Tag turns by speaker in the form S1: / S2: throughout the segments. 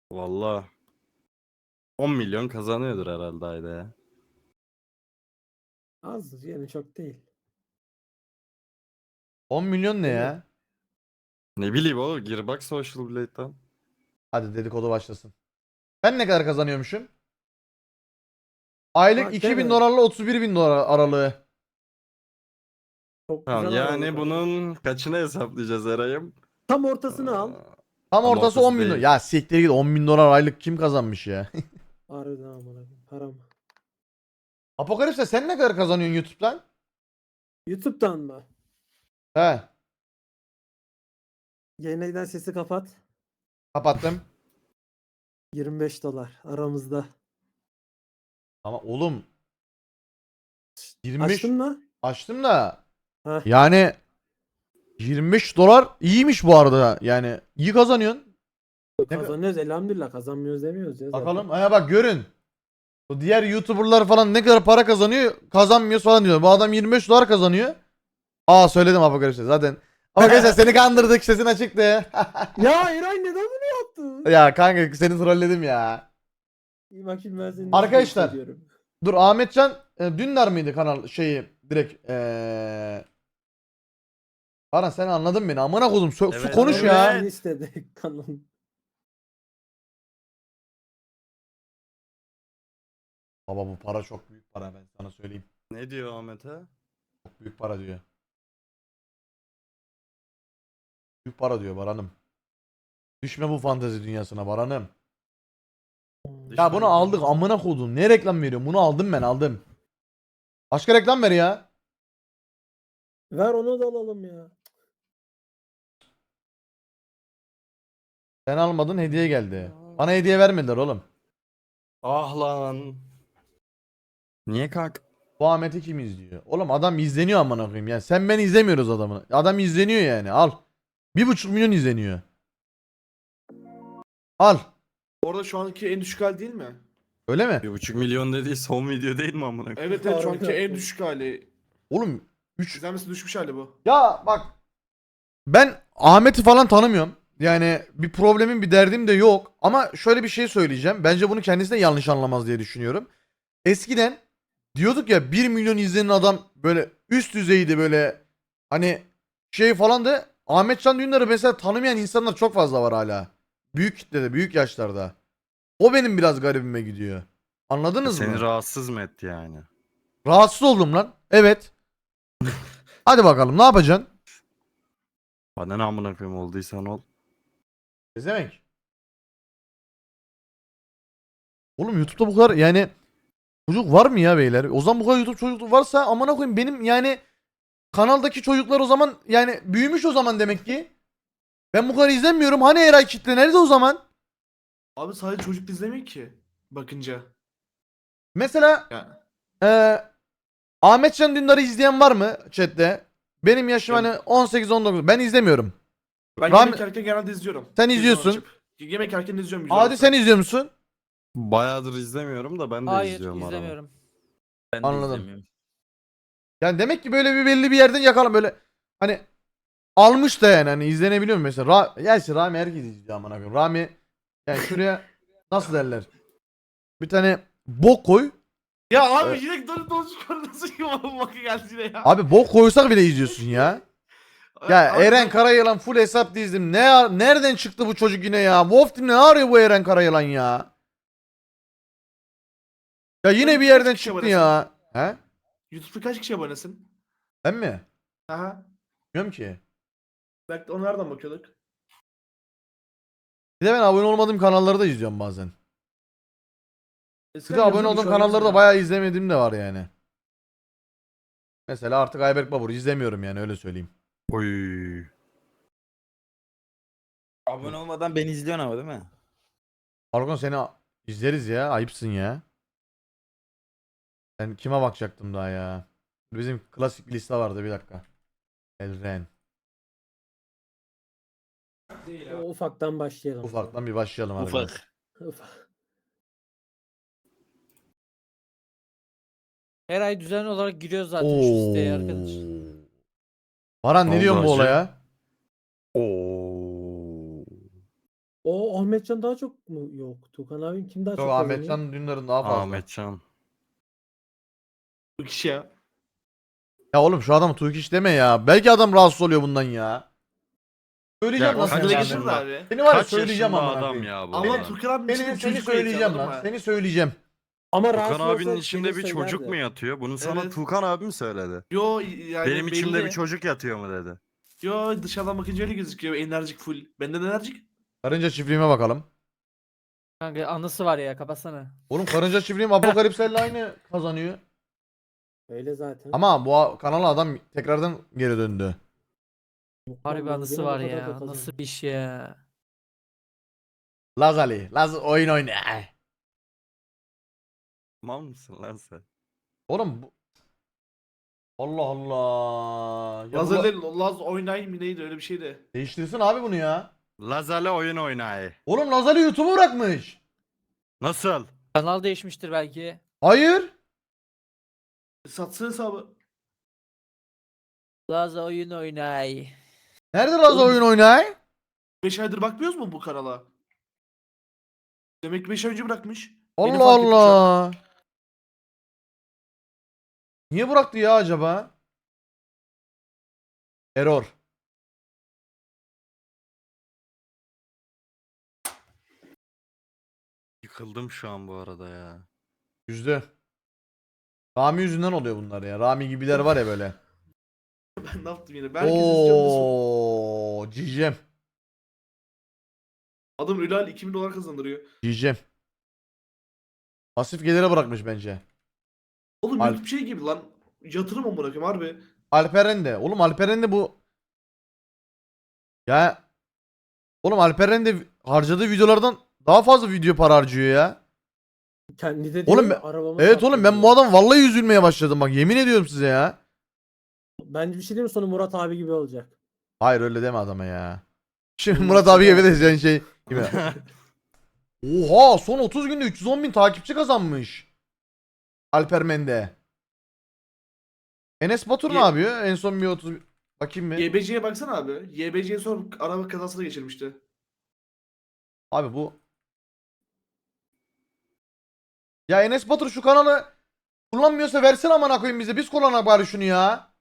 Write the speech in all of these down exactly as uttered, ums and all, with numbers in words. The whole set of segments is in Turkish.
S1: Valla on milyon kazanıyordur herhalde ayda ya.
S2: Az yani çok değil.
S3: on milyon ne
S2: Değil mi?
S3: ya?
S1: Ne bileyim oğlum, gir bak Social Blade'den.
S3: Hadi dedikodu başlasın. Ben ne kadar kazanıyormuşum? Aylık
S2: Bak
S3: iki bin
S2: deme.
S3: dolarla otuz bir bin dolar aralığı.
S2: Çok
S1: Tamam,
S2: güzel
S1: yani
S2: aralık abi.
S1: bunun kaçını hesaplayacağız Eray'ım?
S2: Tam ortasını al.
S1: Aa,
S3: Tam
S1: Tam
S3: ortası
S1: ortası
S3: on bin dolar.
S1: değil.
S3: Ya siktir git, on bin dolar aylık kim kazanmış ya?
S2: Harbiden amına koyayım. Param.
S3: Apokalipse sen ne kadar kazanıyorsun YouTube'dan?
S2: YouTube'dan mı?
S3: He,
S2: Yeniden sesi kapat.
S3: kapattım.
S2: yirmi beş dolar aramızda.
S3: Ama oğlum yirmi beş
S2: Açtın mı?
S3: açtım da
S2: Heh.
S3: yani yirmi beş dolar iyiymiş bu arada. Yani iyi kazanıyorsun. Ne kadar-
S2: Kazanıyoruz elhamdülillah. Kazanmıyoruz demiyoruz ya zaten.
S3: Bakalım. Aya bak görün. O diğer YouTuber'lar falan ne kadar para kazanıyor, kazanmıyor falan diyor. Bu adam yirmi beş dolar kazanıyor. Aa, söyledim Apokalipse zaten. Apokalipse seni kandırdık, sesin açıktı.
S2: Ya Eray neden bunu yaptın?
S3: Ya kanka seni trolledim ya.
S2: İyi bakayım ben seni
S3: Arkadaşlar.
S2: nasıl hissediyorum.
S3: Dur, Ahmetcan e, Dündar mıydı kanal şeyi direkt eee Baran, sen anladın beni, amına kodum, su, su
S1: Evet,
S3: konuş
S1: evet.
S3: ya.
S2: Kanalın istedi. Kanalın.
S3: Baba bu para çok büyük para, ben sana söyleyeyim.
S1: Ne diyor Ahmet'e?
S3: Çok büyük para diyor. Büyük para diyor Baran'ım. Düşme bu fantezi dünyasına Baran'ım. Ya bunu aldık amına kodum. Ne reklam veriyorum? Bunu aldım, ben aldım. Başka reklam ver ya.
S2: Ver onu da alalım ya.
S3: Sen almadın, hediye geldi. Bana hediye vermediler oğlum.
S1: Ah lan. Niye kanka?
S3: Bu Ahmet'i kim izliyor? Oğlum adam izleniyor amına koyayım. Yani sen ben izlemiyoruz adamı. Adam izleniyor yani. Al. Bir buçuk milyon izleniyor. Al.
S4: Orada şu anki en düşük hali değil mi?
S3: Öyle mi?
S1: Bir buçuk milyon dediği son video değil mi amına koyayım?
S4: Evet evet şu anki
S2: Harbiden.
S4: en düşük hali.
S3: Oğlum üç.
S4: İzlenmesi düşmüş hali bu.
S3: Ya bak. Ben Ahmet'i falan tanımıyorum. Yani bir problemim, bir derdim de yok. Ama şöyle bir şey söyleyeceğim. Bence bunu kendisi de yanlış anlamaz diye düşünüyorum. Eskiden diyorduk ya, bir milyon izlenen adam böyle üst düzeydi, böyle hani şey falan da, Ahmetcan Dündar'ı mesela tanımayan insanlar çok fazla var hala. Büyük kitlede, büyük yaşlarda. O benim biraz garibime gidiyor. Anladınız
S1: Seni
S3: mı?
S1: rahatsız mı etti yani?
S3: Rahatsız oldum lan. Evet. Hadi bakalım, ne yapacaksın?
S1: Bana ne amına koyayım, olduysan ol.
S3: Ne demek? Oğlum YouTube'da bu kadar yani çocuk var mı ya beyler? O zaman bu kadar YouTube çocuk varsa amına koyayım, benim yani kanaldaki çocuklar o zaman yani büyümüş o zaman demek ki. Ben bu kadar izlemiyorum. Hani Eray kitle nerede o zaman?
S4: Abi sadece çocuk izlemiyor ki. Bakınca.
S3: Mesela
S4: Ya.
S3: eee Ahmetcan Dündar'ı izleyen var mı chatte? Benim yaşım
S4: Ben-
S3: hani on sekiz on dokuz. Ben izlemiyorum.
S4: Ben
S3: Ram-
S4: yemek yerken genelde izliyorum.
S3: Sen
S4: Televizyon
S3: izliyorsun.
S4: açıp. Yemek yerken izliyorum güzel
S3: Hadi
S4: olsa.
S3: sen izliyor musun?
S1: Bayağıdır izlemiyorum da ben de
S5: Hayır
S1: izliyorum arada.
S5: izlemiyorum. Ben de
S3: Anladım.
S5: izlemiyorum.
S3: Yani demek ki böyle bir belli bir yerden yakalan böyle hani almış da yani hani izlenebiliyor mu mesela? Ra Gerçi Rami herkes izliyor amına koyayım. Rami yani şuraya nasıl derler? Bir tane bok koy.
S4: Ya abi
S3: Evet.
S4: yine dönüp dolaşıp nasıl yuvarlı bakı geldi yine ya.
S3: Abi bok koysak bile izliyorsun ya. Ya
S4: Abi
S3: Eren
S4: ben-
S3: Karayılan full hesap dizdim. Ne nereden çıktı bu çocuk yine ya? Wolf Team ne arıyor bu Eren Karayılan ya? Ya yine
S4: Sen
S3: bir
S4: kaç
S3: yerden
S4: kişi
S3: çıktı
S4: abonesin?
S3: ya. He?
S4: YouTube'da kaç kişi abonesin?
S3: Ben mi?
S4: Aha.
S3: Bilmiyorum ki.
S4: Belki onu nereden bakıyorduk?
S3: Bir de ben abone olmadığım kanalları da izliyorum bazen. Bir
S4: Eskiden
S3: de abone
S4: yazıyordu,
S3: olduğum
S4: şu an
S3: kanalları da
S4: yazmıyor.
S3: bayağı izlemediğim de var yani. Mesela artık Ayberk Babur izlemiyorum yani, öyle söyleyeyim.
S1: Oy.
S5: Abone olmadan beni izliyorsun ama değil mi?
S3: Argon seni a- izleriz ya. Ayıpsın ya. Ben kime bakacaktım daha ya? Bizim klasik bir liste vardı, bir dakika. Elren.
S2: O ufaktan başlayalım.
S3: Ufaktan bir başlayalım harbiden.
S5: Ufak.
S2: Ufak.
S5: Her ay düzenli olarak giriyoruz zaten şu siteye arkadaş.
S3: Oo. Baran ne
S1: Ne
S3: diyorsun
S1: oldu
S3: bu
S1: hacı?
S3: olaya?
S1: Oo.
S2: O Ahmetcan daha çok mu? Yok. Tukan abim kim daha
S3: Yok
S2: çok kazanıyor?
S3: Ahmetcan Dündar'ın daha fazla.
S1: Ahmetcan.
S4: Bu kişi ya.
S3: Ya oğlum şu adam Turkish deme ya. Belki adam rahatsız oluyor bundan ya. Söyleyeceğim
S1: Ya
S3: lan
S1: kaç
S3: seni.
S4: Aklına
S1: yaşında?
S4: getirdi abi.
S3: Seni var ya
S1: Kaç
S3: söyleyeceğim
S1: yaşında
S3: amına
S1: adam
S3: koyayım.
S1: ya bu?
S4: Ama
S1: adam?
S4: Tukan abinin
S3: Seni,
S4: içinde
S3: seni
S4: çocuk var
S3: söyleyeceğim
S4: anladın
S3: lan.
S4: mı?
S3: Seni söyleyeceğim.
S2: Ama
S1: Tukan
S2: rahatsız
S1: abinin
S2: olsa
S1: içinde
S2: gelir
S1: bir çocuk
S2: söylerdi.
S1: mu yatıyor? Bunu sana
S4: Evet.
S1: Tukan abi mi söyledi?
S4: Yo yani
S1: Benim içimde
S4: belli.
S1: bir çocuk yatıyor mu dedi.
S4: Yo dışarıdan bakınca öyle gözüküyor. Enerjik full. Benden enerjik.
S3: Karınca çiftliğime bakalım.
S5: Kanka anısı var ya kapatsana.
S3: Oğlum karınca çiftliğim Apokalips'le aynı kazanıyor.
S2: Öyle zaten.
S3: Ama bu a- kanala adam tekrardan geri döndü.
S2: Yok lan,
S5: Harbi
S2: bu
S5: anısı
S2: gene
S5: var
S2: bu kadar da
S5: ya.
S2: kazanıyor.
S5: Nasıl bir iş ya.
S3: Laz Ali. Laz oyun oyna.
S1: Mal mısın lan sen?
S3: Oğlum bu... Allah Allah. Ya bu la-
S4: Lazerle Laz oynayayım mı neydi öyle bir şeydi.
S3: Değiştirsin abi bunu ya.
S1: Lazer'le oyun oynay.
S3: Oğlum Laz Ali YouTube'u bırakmış.
S1: Nasıl?
S5: Kanal değişmiştir belki.
S3: Hayır.
S4: Satsın hesabı.
S5: Laza oyun oynay.
S3: Nerede Laz
S4: Oğlum-
S3: oyun oynay?
S4: beş aydır bakmıyoruz mu bu kanala? Demek ki beş ay önce bırakmış. Yeni
S3: Allah
S4: fark ettim şu an.
S3: Allah. Niye bıraktı ya acaba? Error.
S1: Yıkıldım şu an bu arada ya.
S3: Yüzde. Rami yüzünden oluyor bunlar ya. Rami gibiler var ya böyle.
S4: Ben ne yaptım yine? Ben herkes izliyorum diye sor-
S3: Ooo. Cicem.
S4: Adam Ülal iki bin dolar kazandırıyor.
S3: Cicem. Pasif gelire bırakmış bence.
S4: Oğlum
S3: Al-
S4: YouTube şey gibi lan. Yatırım amına koyayım harbi.
S3: Alperen de. Oğlum Alperen de bu. Ya. Oğlum Alperen de harcadığı videolardan daha fazla video para harcıyor ya.
S2: Kendi de
S3: Oğlum
S2: diyor
S3: ben-
S2: ya, arabamı
S3: Evet
S2: sattım
S3: oğlum ben
S2: diyor.
S3: bu adam vallahi üzülmeye başladım bak yemin ediyorum size ya.
S2: Bence bir şey diyeyim mi? Sonu Murat abi gibi olacak.
S3: Hayır öyle deme adama ya. Şimdi
S2: Olmaz
S3: Murat abi
S2: ya.
S3: gibi de şey gibi. Oha son otuz günde üç yüz on bin takipçi kazanmış. Alper Mende. Enes Batur ne
S4: Ye-
S3: yapıyor? En son bir otuz bakayım bir.
S4: Y B C'ye baksana abi. Y B C'ye sonra araba kazasına geçirmişti.
S3: Abi bu. Ya Enes Batur şu kanalı kullanmıyorsa versene amına koyayım bize. Biz kullanak bari şunu ya.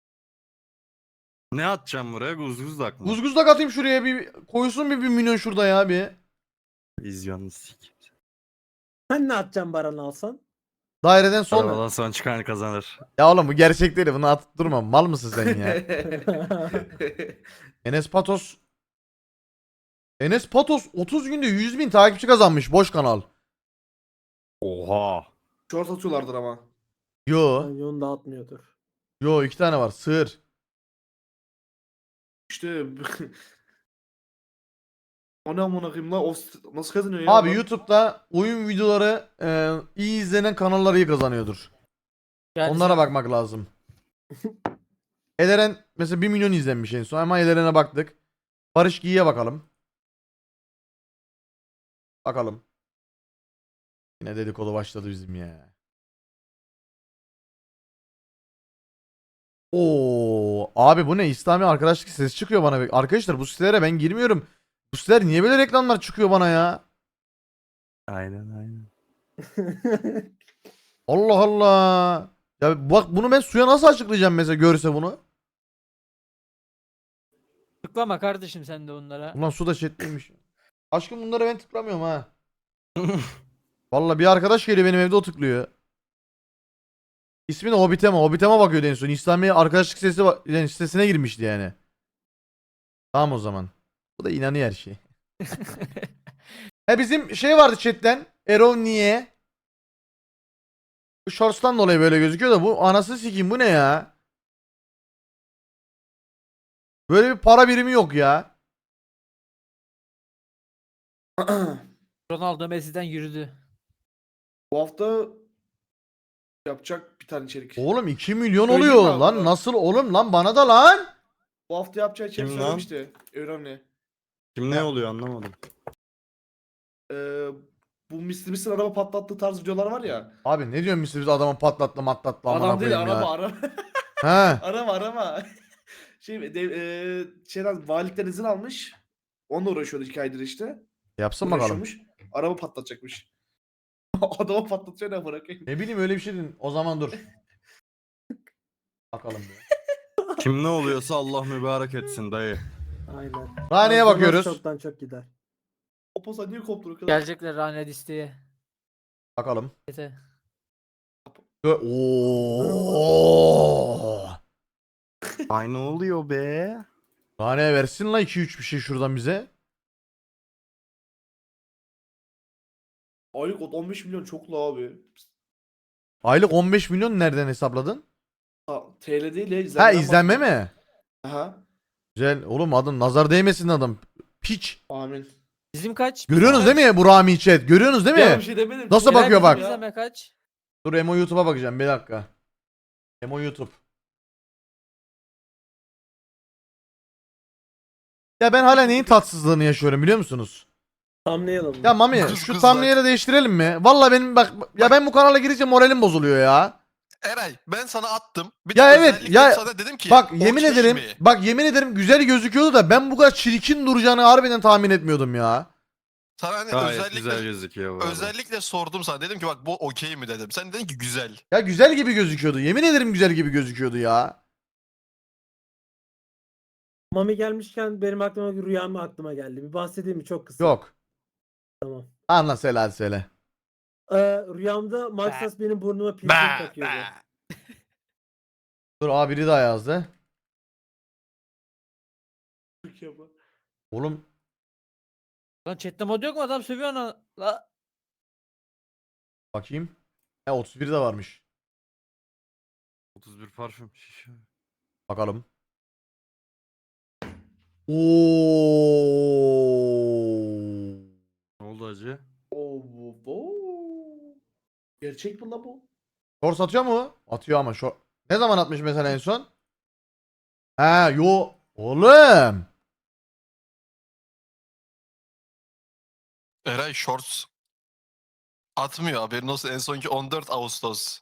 S1: Ne atacağım buraya? Guzguzdak mı?
S3: Guzguzlak atayım şuraya bir koysun bir, bir milyon şurada ya bir.
S1: Vizyonlu sik.
S2: Sen ne atacaksın Baran alsan?
S3: Daireden sonra.
S1: Arabadan son çıkan kazanır.
S3: Ya oğlum bu gerçek değil. Bunu atıp durma. Mal mısın sen ya? Enes Patos. Enes Patos otuz günde yüz bin takipçi kazanmış. Boş kanal.
S1: Oha.
S4: Short atıyorlardır ama.
S3: Yo.
S2: Bence onu dağıtmıyordur.
S3: Yo iki tane var. Sığır.
S4: İşte o ne amına koyayım lan? O s- nasıl kazanıyor ya?
S3: Abi
S4: adam?
S3: YouTube'da oyun videoları e, iyi izlenen kanallar iyi kazanıyordur.
S5: Yani
S3: Onlara
S5: sen-
S3: bakmak lazım. Eleren mesela bir milyon izlenmiş en son ama Eleren'e baktık. Barış Giyi'ye bakalım. Bakalım. Yine dedikodu başladı bizim ya. Oo abi bu ne? İslami arkadaşlık sesi çıkıyor bana. Arkadaşlar bu sitelere ben girmiyorum. Bu siteler niye böyle reklamlar çıkıyor bana ya?
S1: Aynen aynen.
S3: Allah Allah. Ya bak bunu ben suya nasıl açıklayacağım mesela görse bunu?
S5: Tıklama kardeşim sen de onlara.
S3: Ulan su da chat'teymiş. Aşkım bunları ben tıklamıyorum ha. Vallahi bir arkadaş geliyor benim evde o tıklıyor. İsmi de Hobbitema. Hobbitema bakıyordu en son. İslami arkadaşlık sitesi va- yani sitesine girmişti yani. Tamam o zaman. Bu da inanıyor her şey. He bizim şey vardı chatten. Erol niye? Bu shorts'tan dolayı böyle gözüküyor da bu anasını sikeyim bu ne ya? Böyle bir para birimi yok ya.
S5: Ronaldo Messi'den yürüdü.
S4: Bu hafta yapacak bir tane içerik.
S3: Oğlum iki milyon
S4: Söyleyeyim
S3: oluyor
S4: abi
S3: lan
S4: buna.
S3: nasıl oğlum lan bana da lan.
S4: Bu hafta yapacağı içerik
S1: Kim lan?
S4: söylemişti. Önemli.
S1: Kim ne oluyor anlamadım.
S4: Ee, bu Mister Beast'in araba patlattığı tarz videolar var ya.
S3: Abi ne diyorsun biz adamı patlattı matlattı amına
S4: Adam değil
S3: koyayım
S4: araba
S3: ya.
S4: araba.
S3: He.
S4: araba araba. Şey de, e, şeyden valilikten izin almış. Onunla uğraşıyordu iki aydır işte.
S3: Yapsın bakalım.
S4: Uğraşıyormuş. Araba patlatacakmış. Adamı patlatıyor ne bırakayım.
S3: Ne bileyim öyle bir şey dedin. O zaman dur. Bakalım bir.
S1: Kim ne oluyorsa Allah mübarek etsin dayı.
S2: Aynen.
S3: Rane'ye
S2: Arzular
S3: bakıyoruz.
S2: Çoktan çok gider.
S4: O posa niye koptu o kadar?
S5: Gelecekler Rane listeye.
S3: Bakalım.
S5: Yeter.
S3: Gö- Oo.
S1: Ay ne oluyor be?
S3: Rane'ye versin la iki üç bir şey şuradan bize.
S4: Aylık on beş milyon çok la abi.
S3: Aylık on beş milyon nereden hesapladın?
S4: Ha, T L değil ya.
S3: Ha
S4: izlenmeden
S3: izlenme
S4: bahsediyorum.
S3: mi?
S4: Aha.
S3: Güzel. Oğlum adam nazar değmesin adam. Piç.
S4: Amin.
S5: Bizim kaç?
S3: Görüyorsunuz
S5: Bizim
S3: değil mi bu Rami chat? Görüyorsunuz değil
S4: Ya bir
S3: mi?
S4: şey demedim.
S3: Nasıl
S5: kaç?
S3: bakıyor
S5: Helal
S3: bak.
S5: bizim izleme kaç?
S3: Dur Emo YouTube'a bakacağım bir dakika. Emo YouTube. Ya ben hala neyin tatsızlığını yaşıyorum biliyor musunuz?
S2: Thumbnail alın.
S3: Ya Mami
S6: Kız
S3: şu
S6: kız
S3: thumbnail'i değiştirelim mi? Valla benim bak ya ben bu kanala girince moralim bozuluyor ya.
S6: Eray ben sana attım. Bir
S3: Ya
S6: de
S3: evet,
S6: özellikle
S3: ya
S6: sana dedim ki
S3: Bak
S6: o
S3: yemin
S6: şey
S3: ederim
S6: mi?
S3: bak yemin ederim güzel gözüküyordu da ben bu kadar çirkin duracağını harbiden tahmin etmiyordum ya.
S6: Sana hani
S1: Gayet
S6: özellikle
S1: güzel gözüküyor bu arada.
S6: özellikle sordum sana. Dedim ki bak bu okey mi dedim. Sen dedin ki güzel.
S3: Ya güzel gibi gözüküyordu. Yemin ederim güzel gibi gözüküyordu ya.
S2: Mami gelmişken benim aklıma bir rüyam aklıma geldi. Bir bahsedeyim mi? Çok kısa.
S3: Yok.
S2: Tamam.
S3: Anla söyle hadi söyle.
S2: Ee, rüyamda Maxas benim burnuma piercing
S6: Bah,
S2: takıyordu.
S6: bah.
S3: Dur abi biri daha yazdı.
S4: Çok iyi ama.
S3: Oğlum
S5: Lan chatte mod yok mu? Adam sövüyor onu. La.
S3: bakayım. He otuz bir de varmış.
S1: otuz bir parfüm şişe.
S3: Bakalım. Oo.
S1: Ne oldu acı?
S4: Oo, bu, bu. Gerçek mi la bu?
S3: Shorts atıyor mu? Atıyor ama short. Ne zaman atmış mesela en son? Ha yo. Oğlum.
S6: Eray shorts atmıyor haberin olsun. En sonki on dört Ağustos.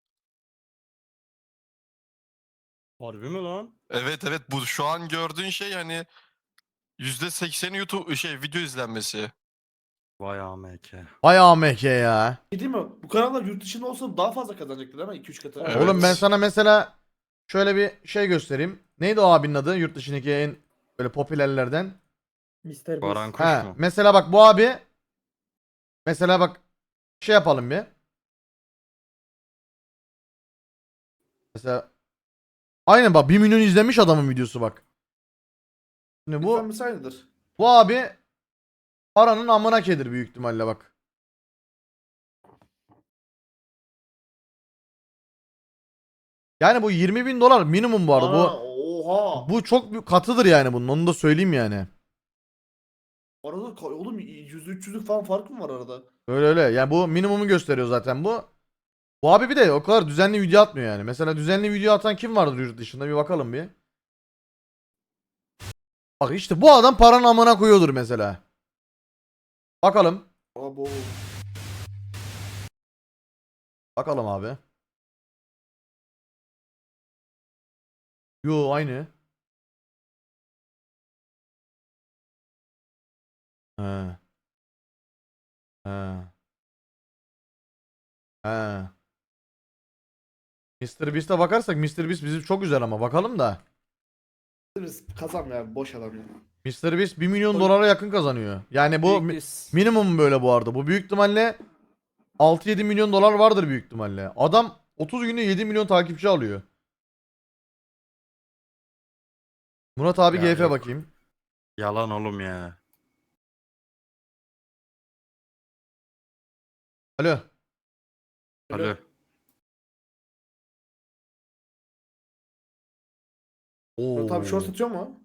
S1: Harbi mi lan?
S6: Evet evet bu şu an gördüğün şey hani yüzde sekseni YouTube şey video izlenmesi.
S1: Vay A M K.
S3: Vay A M K ya.
S4: Şey değil mi? Bu kanallar yurt dışında olsa daha fazla kazanacaktır değil mi? iki üç katı.
S6: Evet.
S3: Oğlum ben sana mesela şöyle bir şey göstereyim. Neydi o abinin adı? Yurt dışındaki en böyle popülerlerden.
S2: mister
S1: Baran
S2: Beast.
S1: Kuş
S3: Ha,
S1: mu?
S3: mesela bak bu abi mesela bak şey yapalım bir. Mesela aynen bak bir milyon izlenmiş adamın videosu bak. Şimdi bu
S4: Bu aynıdır.
S3: bu abi paranın amına kedir büyük ihtimalle bak. Yani bu yirmi bin dolar minimum bu arada.
S4: Aa,
S3: Bu
S4: oha.
S3: bu çok büyük katıdır yani bunun. Onu da söyleyeyim yani.
S4: Arada ka- oğlum yüz üç yüzlük falan fark mı var arada?
S3: Öyle öyle. Yani bu minimumu gösteriyor zaten bu. Bu abi bir de o kadar düzenli video atmıyor yani. Mesela düzenli video atan kim vardır yurt dışında bir bakalım bir. Bak işte bu adam paranın amına koyuyordur mesela. Bakalım.
S4: Abo.
S3: Bakalım abi. Yo aynı. He. He. He. mister Beast'e bakarsak mister Beast bizim çok güzel ama bakalım da.
S4: Biz kazanmıyor abi boş adam ya.
S3: mister Beast bir milyon dolara yakın kazanıyor. Yani bu mi-
S5: Büyük düz.
S3: minimum böyle bu arada. Bu büyük ihtimalle altı yedi milyon dolar vardır büyük ihtimalle. Adam otuz günde yedi milyon takipçi alıyor. Murat abi
S1: Ya
S3: G F
S1: yok.
S3: bakayım.
S1: Yalan oğlum ya.
S3: Alo.
S1: Alo.
S3: Oo.
S4: Tabii short atıyor mu?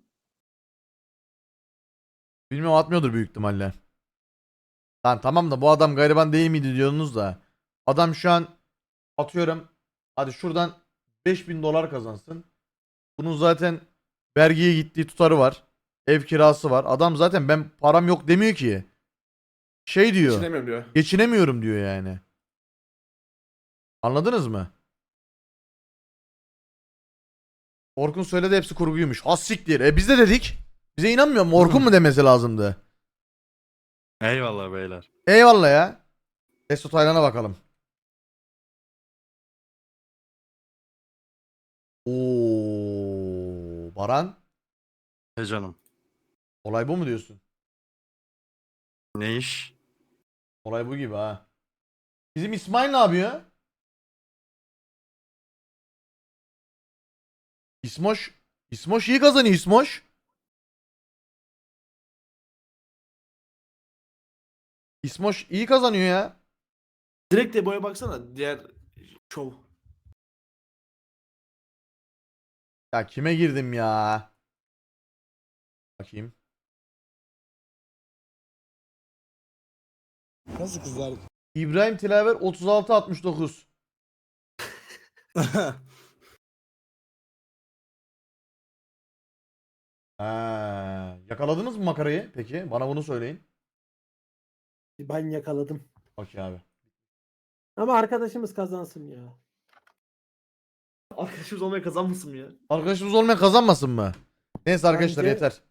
S3: Bilmiyorum atmıyordur büyük ihtimalle. Lan tamam da bu adam gariban değil miydi diyorsunuz da. Adam şu an atıyorum. Hadi şuradan beş bin dolar kazansın. Bunun zaten vergiye gittiği tutarı var. Ev kirası var. Adam zaten ben param yok demiyor ki. Şey diyor.
S4: Geçinemiyorum diyor.
S3: Geçinemiyorum diyor yani. Anladınız mı? Orkun söyledi hepsi kurguymuş. Has siktir. E biz de dedik. Bize inanmıyor mu? Orkun mu demesi lazımdı?
S1: Eyvallah beyler.
S3: Eyvallah ya. Testo Taylan'a bakalım. Oo, Baran.
S1: He canım.
S3: Olay bu mu diyorsun?
S1: Ne iş?
S3: Olay bu gibi ha. Bizim İsmail ne yapıyor? İsmoş. İsmoş iyi kazanıyor İsmoş. İsmoş iyi kazanıyor ya.
S4: Direkt de boya baksana diğer şov.
S3: Ya kime girdim ya? Bakayım.
S7: Nasıl kızlar?
S3: İbrahim Tilaver otuz altı altmış dokuz. Ha, yakaladınız mı makarayı peki? Bana bunu söyleyin.
S2: Ben yakaladım.
S3: Okey abi.
S2: Ama arkadaşımız kazansın ya.
S4: Arkadaşımız olmaya kazanmasın mı ya?
S3: Arkadaşımız olmayan kazanmasın mı? Neyse arkadaşlar
S2: Bence-
S3: yeter.